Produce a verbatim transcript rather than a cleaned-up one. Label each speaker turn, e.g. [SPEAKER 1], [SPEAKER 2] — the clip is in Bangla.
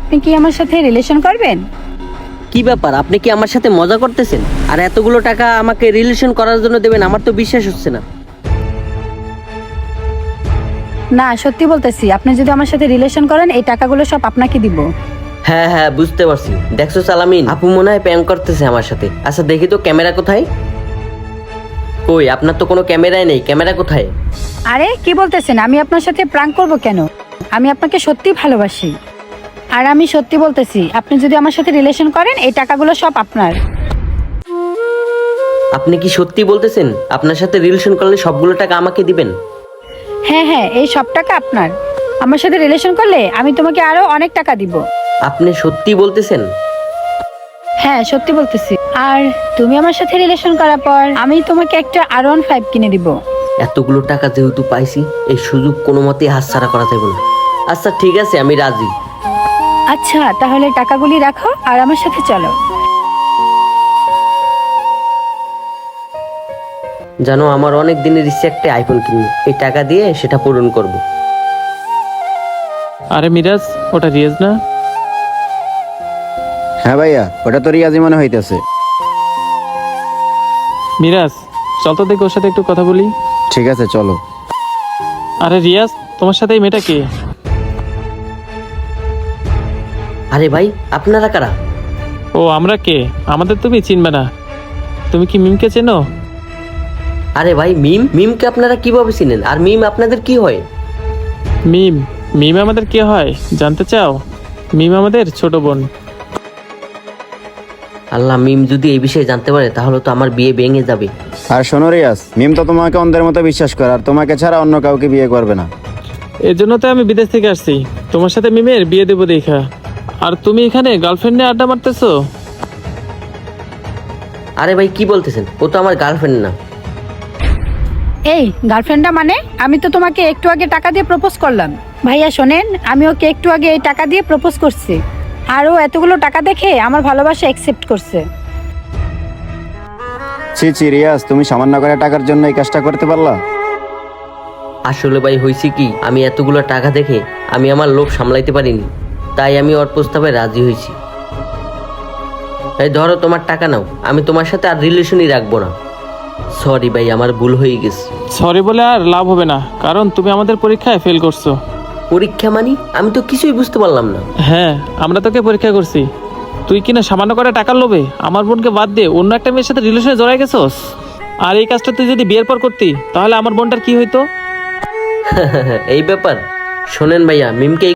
[SPEAKER 1] আপনি কি আমার সাথে রিলেশন করবেন?
[SPEAKER 2] কি ব্যাপার, আপনি কি আমার সাথে মজা করতেছেন? আর এতগুলো টাকা আমাকে রিলেশন করার জন্য দেবেন, আমার তো বিশ্বাস হচ্ছে না।
[SPEAKER 1] না, সত্যি বলতেছি, আপনি যদি আমার সাথে রিলেশন করেন এই টাকাগুলো সব আপনাকে দিব।
[SPEAKER 2] হ্যাঁ হ্যাঁ, বুঝতে পারছি। দেখছো সালামিন, আপু মনে হয় প্র্যাঙ্ক করতেছে আমার সাথে। আচ্ছা দেখি তো ক্যামেরা কোথায়? কই, আপনার তো কোনো ক্যামেরাই নেই, ক্যামেরা কোথায়?
[SPEAKER 1] আরে কি বলতেছেন, আমি আপনার সাথে প্রাঙ্ক করব কেন? আমি আপনাকে সত্যি ভালোবাসি। আর আমি সত্যি বলতেছি, আপনি যদি আমার সাথে রিলেশন করেন এই টাকাগুলো সব আপনার।
[SPEAKER 2] আপনি কি সত্যি বলতেছেন আপনার সাথে রিলেশন করলে সবগুলো টাকা আমাকে দিবেন?
[SPEAKER 1] হ্যাঁ হ্যাঁ, এই সব টাকা আপনার। আমার সাথে রিলেশন করলে আমি তোমাকে আরো অনেক টাকা দিব।
[SPEAKER 2] আপনি সত্যি বলতেছেন?
[SPEAKER 1] হ্যাঁ সত্যি বলতেছি। আর তুমি আমার সাথে রিলেশন করার পর আমি তোমাকে একটা আর ওয়ান ফাইভ কিনে দিব।
[SPEAKER 2] এতগুলো টাকা যেহেতু পাইছি, এই সুযোগ কোনো মতেই হাতছাড়া করা যাবে না। আচ্ছা ঠিক আছে, আমি রাজি।
[SPEAKER 1] আচ্ছা তাহলে টাকাগুলি রাখো আর আমার সাথে চলো।
[SPEAKER 2] জানো, আমার অনেক দিনের ইচ্ছে একটা আইফোন কিনবো, এই টাকা দিয়ে সেটা পূরণ করব।
[SPEAKER 3] আরে মিরাজ, ওটা রিয়াজ না?
[SPEAKER 4] হ্যাঁ ভাইয়া, ওটা তো রিয়াজি মনে হইতেছে।
[SPEAKER 3] মিরাজ, চল তো দেখি ওর সাথে একটু কথা বলি।
[SPEAKER 4] ঠিক আছে চলো।
[SPEAKER 3] আরে রিয়াজ, তোমার সাথে এই মেয়েটা কে?
[SPEAKER 2] আরে ভাই, আপনারা কারা?
[SPEAKER 3] ও আমরা কে? আমাদের তুমি চিনবে না। তুমি কি মিমকে চেনো?
[SPEAKER 2] আরে ভাই, মিম মিমকে আপনারা কিভাবে চিনেন? আর মিম আপনাদের কি হয়?
[SPEAKER 3] মিম মিম আমাদের কে হয় জানতে চাও? মিম আমাদের ছোট বোন।
[SPEAKER 2] আল্লাহ, মিম যদি এই বিষয়ে জানতে পারে তাহলে তো আমার বিয়ে ভেঙে যাবে।
[SPEAKER 4] আর শোনো রিয়াজ, মিম তো তোমাকে অন্ধের মতো বিশ্বাস করে, আর তোমাকে ছাড়া অন্য কাউকে বিয়ে করবে না।
[SPEAKER 3] এর জন্য তো আমি বিদেশ থেকে আসছি তোমার সাথে মিমের বিয়ে দেবো দেখা। আর তুমি এখানে গার্লফ্রেন্ড নিয়ে আড্ডা মারতেছো?
[SPEAKER 2] আরে ভাই কি বলতেছেন? ও তো আমার গার্লফ্রেন্ড না।
[SPEAKER 1] এই গার্লফ্রেন্ডটা মানে? আমি তো তোমাকে একটু আগে টাকা দিয়ে প্রপোজ করলাম। ভাইয়া শোনেন, আমি ওকে একটু আগে এই টাকা দিয়ে প্রপোজ করছি। আর ও এতগুলো টাকা দেখে আমার ভালোবাসা অ্যাকসেপ্ট করছে।
[SPEAKER 4] ছি ছি রিয়াজ, তুমি সামান্য করে টাকার জন্য এই কাজটা করতে পারলা?
[SPEAKER 2] আসলে ভাই হয়েছে কি, আমি এতগুলো টাকা দেখে আমি আমার লোভ সামলাইতে পারিনি, তাই আমি ওর প্রস্তাবে রাজি হয়েছি। এই ধরো তোমার টাকা নাও, আমি তোমার সাথে আর রিলেশনই রাখবো না। সরি ভাই, আমার ভুল হয়ে গেছে।
[SPEAKER 3] সরি বলে আর লাভ হবে না, কারণ তুমি আমাদের পরীক্ষায় ফেল করছো।
[SPEAKER 2] পরীক্ষা মানি? আমি তো কিছুই বুঝতে পারলাম না।
[SPEAKER 3] হ্যাঁ, আমরা তোকে পরীক্ষা করছি। তুই কিনা সামান্য করে টাকার লোভে আমার বোনকে বাদ দিয়ে অন্য একটা মেয়ের সাথে রিলেশনে জড়াই গেছস। আর এই কাজটা তুই যদি বিয়ের পর করতি তাহলে আমার বোনটার কি হইতো?
[SPEAKER 2] এই ব্যাপার। শোনেন ভাইয়া, মিমকে